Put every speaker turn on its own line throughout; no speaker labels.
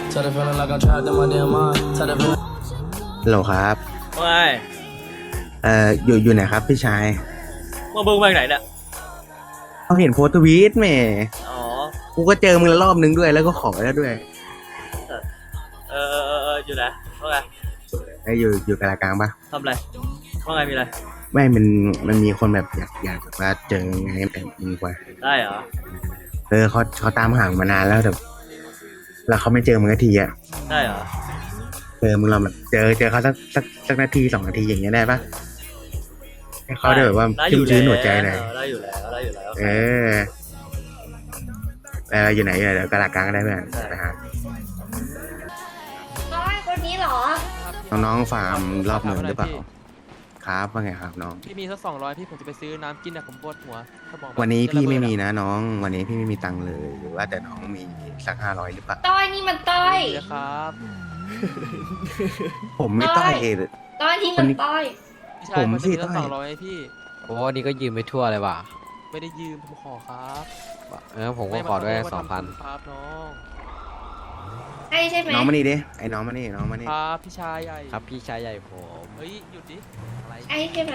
ฮัลโหลครับ
ว่าไง
อยู่ไหนครับพี่ชาย
มึงไปไหนเนี่ย
เขาเห็นโพสต์ทวีตแหม่
อ๋อ
กูก็เจอมึงแล้วรอบนึงด้วยแล้วก็ขอแล้วด้วย
อยู่ไหนว่าไง
อยู่กลางกลางปะ
ทำอะไรว่าไงมีอะไร
ไม่มันมีคนแบบอยากแบบว่าเจอไงแบบมึงกว่า
ได้เหรอ
เขาตามห่างมานานแล้วแต่แล้วเขาไม่เจอมึงสักทีอ่ะ
ได้เหรอ
มึงเราแบบเจอเขาสักนาที2 นาทีอย่างเงี้ยได้ปะให้เขาได้แบบว่า
ได้อ
ชุ่ม
ยู่
ชื้น
แล้ว
หัวใจหน่อย
ได้อยู่แล้ว
อยู่ไหนเดี๋ยวกลางกลางก็ได้เพื่อนไปหา
น้อยคนนี้เหรอ
น้องๆฟาร์มรอบหนึ่งหรือเปล่าครับว่าไงครับน้อง
พี่มีสัก200พี่ผมจะไปซื้อน้ำกินอะผมปวดหัวสมอง
วันนี้พี่ไม่มี
นะ
นะน้อง วันนี้พี่ไม่มีตังค์เลย หรือว่าแต่น้องมีสัก500หรือเปล่า
ต้อยนี่มันต้อย
ครับ
ผมไม่ต้อยเอง
ต้อยนี่มันต้อย
พี่ชาย
ผม
มัน
สิ
จะมีสัก
ต้อย
200พี่
โอ้นี่ก็ยืมไปทั่วเลยว่ะ
ไม่ได้ยืมผมขอครับ
ผมก็ขอด้วย
ไม่มาทำ
2,000
ครับน้อง
ใช่ใช่ไหม
น้องมานี่ดิไอ้น้องมานี่น้องมานี่
ครับพี่ชายใหญ่
ครับพี่ชายใหญ่ผม
เฮ้ยหยุดดิ
อะไร
ใช่ใช่ไหม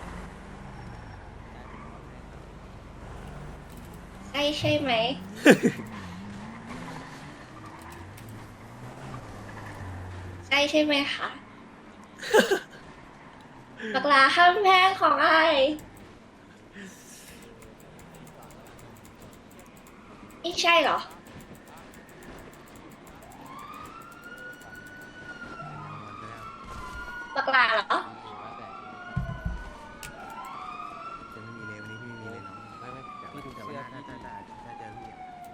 ใช่ใช่ไหม ใช่ใช่ไหมคะบักลาข้ามแพงของไอ้ไม่ใช่เหรอ บักลาเหรอ
จะไม่มีเลยวันนี้พี่ไม่มีเลยน้อง
ไม่ไม่
พี่ดูแต่ว่าถ้าเจอพี่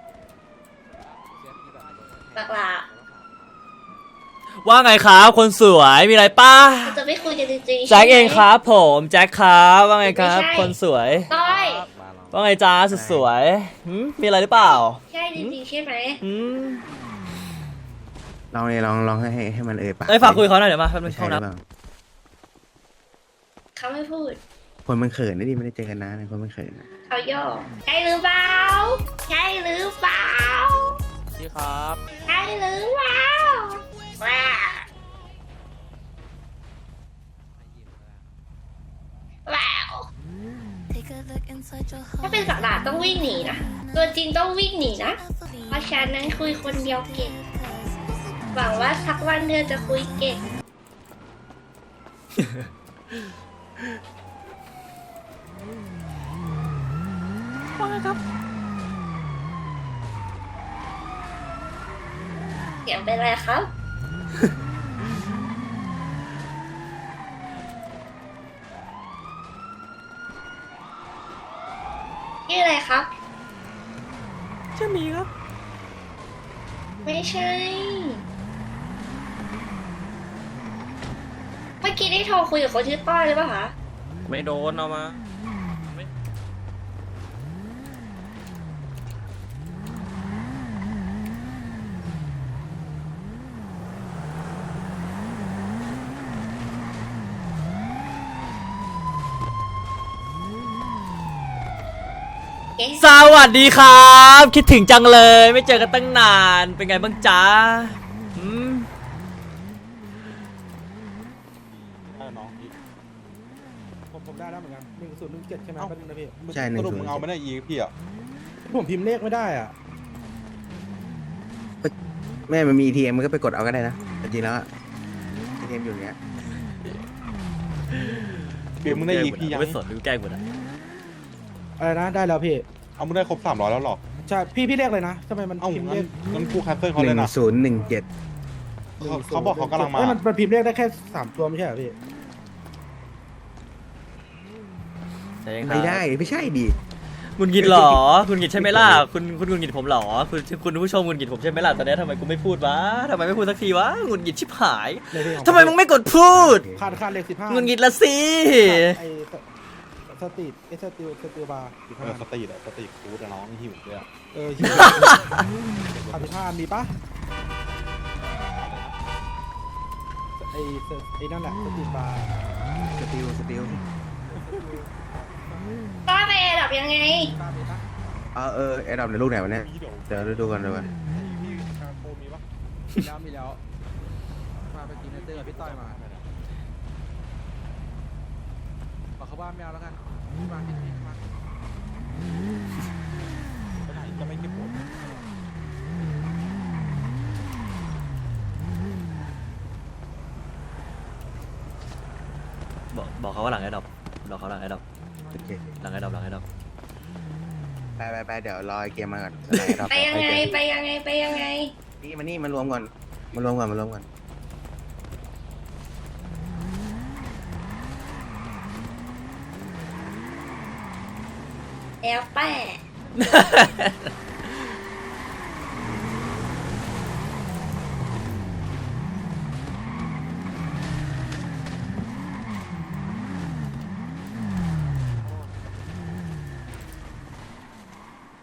บักลา
ว่าไงครับคนสวยมีอะไรป้า
เราจะไม่คุยกันจริงๆ
แจ็คเอง
ใช่ไหม
ครับผมแจ็คครับว่าไงครับ
ไม่ใช่
คนสวย
ต้อย
ว่าไงจ้าสุดสวยมีอะไรหรือเปล่า
ใช่จริงๆใช่ไหม
หืม
ลองให้มันปาก
เอ้ยฝากคุยกับเขาหน่อยเดี๋ยวมาแป๊บนึง
ใช่
เข้า
หรือ
น้
เปล่า
เขาไม่พูด
คนมันเขินนะดิไม่ได้เจอกันนานคนมันเขินนะ
เขาโยกใช่หรือเปล่า ใช่หรือเปล่า
พี่ครับ
ใช่หรือเปล่าว้าว้าวถ้าเป็นสัตว์ป่าต้องวิ่งหนีนะ ตัวจริงต้องวิ่งหนีนะ เพราะฉะนั้นคุยคนเดียวเก่ง หวังว่าสักวันเธอจะคุยเก่ง เสียงเป็นไรครับ ชื่ออะไรครับ
ชื่อมีครับ
ไม่ใช่ เมื่อกี้ได้โทรคุยกับคนชื่อต้อยหรือเปล่าคะ
ไม่โดนเอามา
เอ๊ะ
สวัสดีครับ คิดถึงจังเลย ไม่เจอกันตั้งนานเป็นไงบ้างจ๊ะอืม
น้องผมได้แล้วเหมือนกัน1017ใช่ไหมเป็นนะพี่
ใช่หนึ่
ส
ง
รุป
ศู
มึ
น
ง
ย์
เอาไม่ได้อีกพี่อ่ะผมพิมพ์เลขไม่ได้อ่ะ
แม่มันมี ATM มันก็ไปกดเอาก็ได้นะแต่จริงแล้วอะ ATM อยู่อย่างเงี้ย
พิมพ์มึงได้อีกพี่ยัง
ไม่สนดูแกล้งหมดอ่ะ
อะไรนะได้แล้วพี่เอามึงได้ครบ300แล้วหรอใช่พี่เลขเลยนะทำไมมันพิมพ์เลขงั้นกูแคปเซิลเขาเลยนะ
1017
เขาบอกเขากำลังมามันพิมพ์เลขได้แค่3ตัวไม่ใช่เหรอพี่
ไม่ได้ไม่ใช่ดิ
คุณกินหรอ คุณกินใช่ไหมล่ะ คุณกินผมหรอ คุณผู้ชมคุณกินผมใช่ไหมล่ะตอนนี้ทำไมกูไม่พูดวะทำไมไม่พูดสักทีวะงุนกินชิบหายทำไมมึงไม่กดพูด
ขาดเลข15
งุนกินละสิ
ไอ้สตรีทสตรีบาร์สตรีทฟู้ดน้องหิวด้วยหิวขาด15มีปะไอ้นั่นแหละสตรีทบาร์
สติล
ต้อยไปแอร์ดับยังไง
แอดดอปในลูกไหนวะเนี่ยเดี๋ยวดูกัน
มมีแล้วมาไปกินเตอร์กับพี่ต้อยมาบอกเขาบ้านไม่เอาแล้วกันมาพี่มาไปไหนจะไม่เก็บผม
บอกเขาว่าหลังไอ้ดอกบอกเขาหลังไอ้ดอก
โอเค
หลังไอ้ดอกหลังไอ้ดอก
ไปเดี๋ยวรอไอ้เกมมาก่อนรอ
ไปยังไงไปยังไงไปยังไง
นี่มารวมก่อนมารวมก่อน
แล้วแต่